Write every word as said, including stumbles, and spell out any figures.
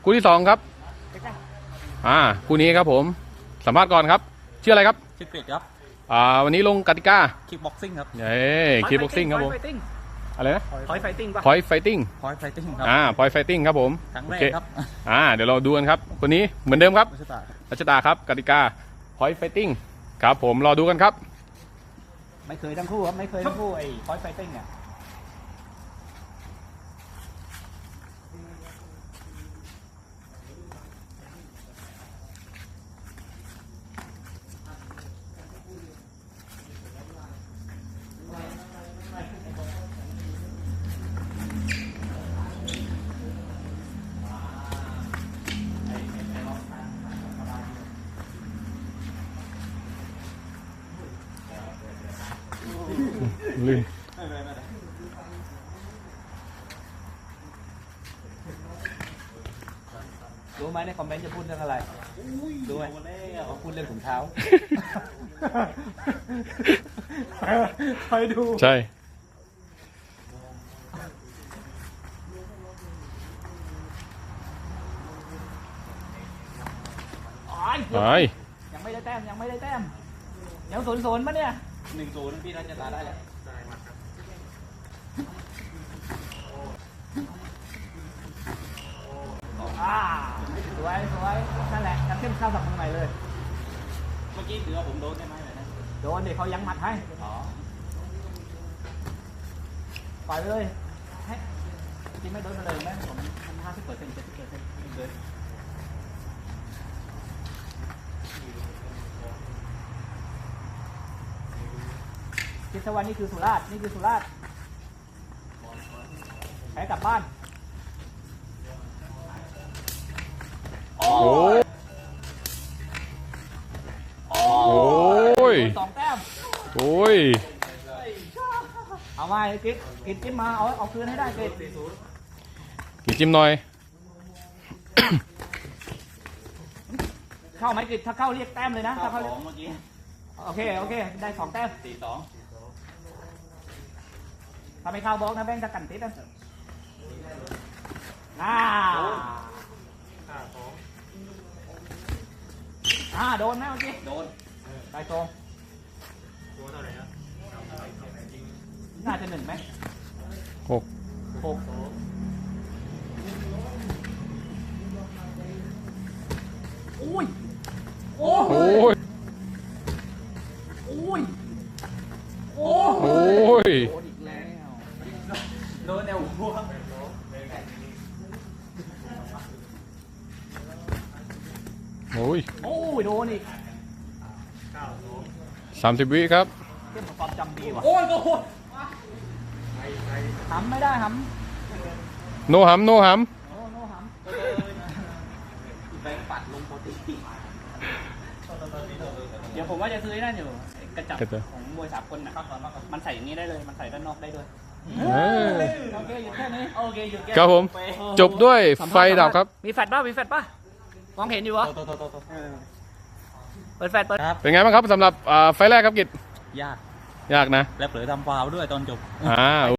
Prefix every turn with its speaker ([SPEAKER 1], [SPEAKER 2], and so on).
[SPEAKER 1] คู่ที่สองครับอ่าคู่นี้ครับผมสัมภาษณ์ก่อนครับชื่ออะไรครับ
[SPEAKER 2] ชื่อกริดครับ
[SPEAKER 1] อ่าวันนี้ลงกติกา
[SPEAKER 2] คิกบ็อกซิ่งครับ
[SPEAKER 1] เย้คิกบ็อกซิ่งครับผมอะไรนะ
[SPEAKER 3] พอยไฟติ้งป่ะ
[SPEAKER 1] พอยไฟติ้ง
[SPEAKER 2] พอยไฟติ้งครับ
[SPEAKER 1] อ่าพอยไฟติ้งครับผม
[SPEAKER 2] ครั้ง
[SPEAKER 1] โอ
[SPEAKER 2] แรก
[SPEAKER 1] เค
[SPEAKER 2] ครับ
[SPEAKER 1] อ่าเดี๋ยวเราดูกันครับคนนี้เหมือนเดิมครับ
[SPEAKER 2] รัชตา
[SPEAKER 1] รัชดาครับกติกาพอยไฟติ้งครับผมรอดูกันครับ
[SPEAKER 3] ไม่เคยทั้งคู่ครับไม่เคยทั้งคู่ไอ้พอยไฟติ้งเนี่ย
[SPEAKER 1] ลื่น
[SPEAKER 3] รู้ไหมในคอมเมนต์จะพูดเรื่องอะไรรู้ไหมเขาพูดเรื่องถุงเท้าคอยดู
[SPEAKER 1] ใช่ไป
[SPEAKER 3] ยังไม่ได้แต้มยังไม่ได้แต้มยังศูนย์ศูนย์ปะเนี่ย
[SPEAKER 2] หนึ่งศูนย์พี่รัชตาได้แล้ว
[SPEAKER 3] อ่าสวยสวยนั่นแหละจะเข้มข้าวสับตรงไหนเลย
[SPEAKER 2] เมื่อกี้ถือว่าผมโดนได้ไหมเลยนะ
[SPEAKER 3] โดนเด็กเขายังหมัดให้
[SPEAKER 2] อ๋อ
[SPEAKER 3] ปล่อยไปเลยให้จริงไม่โดนมาเลยแม่ผมมันห้าสิบเปอร์เซ็นต์เจ็ดสิบเปอร์เซ็นต์เลยคิดซะว่านี่คือสุราษฎร์นี่คือสุราษฎร์แพ้กลับบ้าน
[SPEAKER 1] โอ้ยโอ้ย
[SPEAKER 3] สองแต้ม
[SPEAKER 1] โอ้ย
[SPEAKER 3] เอามากิดกิดจิ้มมาเอาเอาคืนให้ได้กิด
[SPEAKER 1] กินจิ้มหน่อย
[SPEAKER 3] เข้าไหมกิดถ้าเข้าเรียกแต้มเลยนะ
[SPEAKER 2] ข้า
[SPEAKER 3] ถ้าว เข้า
[SPEAKER 2] ของเมื่อกี้
[SPEAKER 3] โอเคโอเคได้สองแต้ม
[SPEAKER 2] สี่สอง
[SPEAKER 3] ถ้าไม่เข้าบล็อกนะแบงค์จะกันติดนะอ่าอ่าโดนไหมเมื่อกี้
[SPEAKER 2] โดน
[SPEAKER 3] ได้ตรงน่าจะหนึ่งไหม
[SPEAKER 1] หก
[SPEAKER 3] หกอุ้ยโอ้
[SPEAKER 1] โอ้
[SPEAKER 3] ย
[SPEAKER 1] ย
[SPEAKER 3] อุ้ยโอ้
[SPEAKER 1] โอ้ย
[SPEAKER 3] โดนอีกแล้ว
[SPEAKER 2] โดนแนวหัว
[SPEAKER 1] โอ้ย
[SPEAKER 3] โอ้ยโดนอีก
[SPEAKER 1] สามสิบวิครับ
[SPEAKER 3] เทียบกับความจำดีว่ะ
[SPEAKER 2] โอ้ยโอ้โห
[SPEAKER 3] หำไม่ได้ห
[SPEAKER 1] โนหัมโนหัม
[SPEAKER 3] ำโอ้โนห
[SPEAKER 2] แบงค์ปัดลงโปรตีน
[SPEAKER 3] ำเดี๋ยวผมว่าจะซื้อไอ้นั่นอยู่ไอ้กระจับของมวยสากลน่ะมันใส่อย่างนี้ได้เลยมันใส่ด้านนอกได้ด้วย
[SPEAKER 1] เออ
[SPEAKER 3] โอเคหยุดแค่นี้โอเคหยุดแค่
[SPEAKER 1] ครับผมจบด้วยไฟดับครับ
[SPEAKER 3] มีแฟลชป่ะมีแฟลชป่ะมองเห็นอยู่วะ
[SPEAKER 2] โตโตโตโต
[SPEAKER 3] เปิดแฟลชเปิด
[SPEAKER 2] ครับ
[SPEAKER 1] เป็นไงบ้างครับสำหรับอ่าไฟแรกครับกิจ
[SPEAKER 2] ยาก
[SPEAKER 1] ยากนะ
[SPEAKER 2] และเผลอทำฟาวล์ด้วยตอนจบ
[SPEAKER 1] อ่า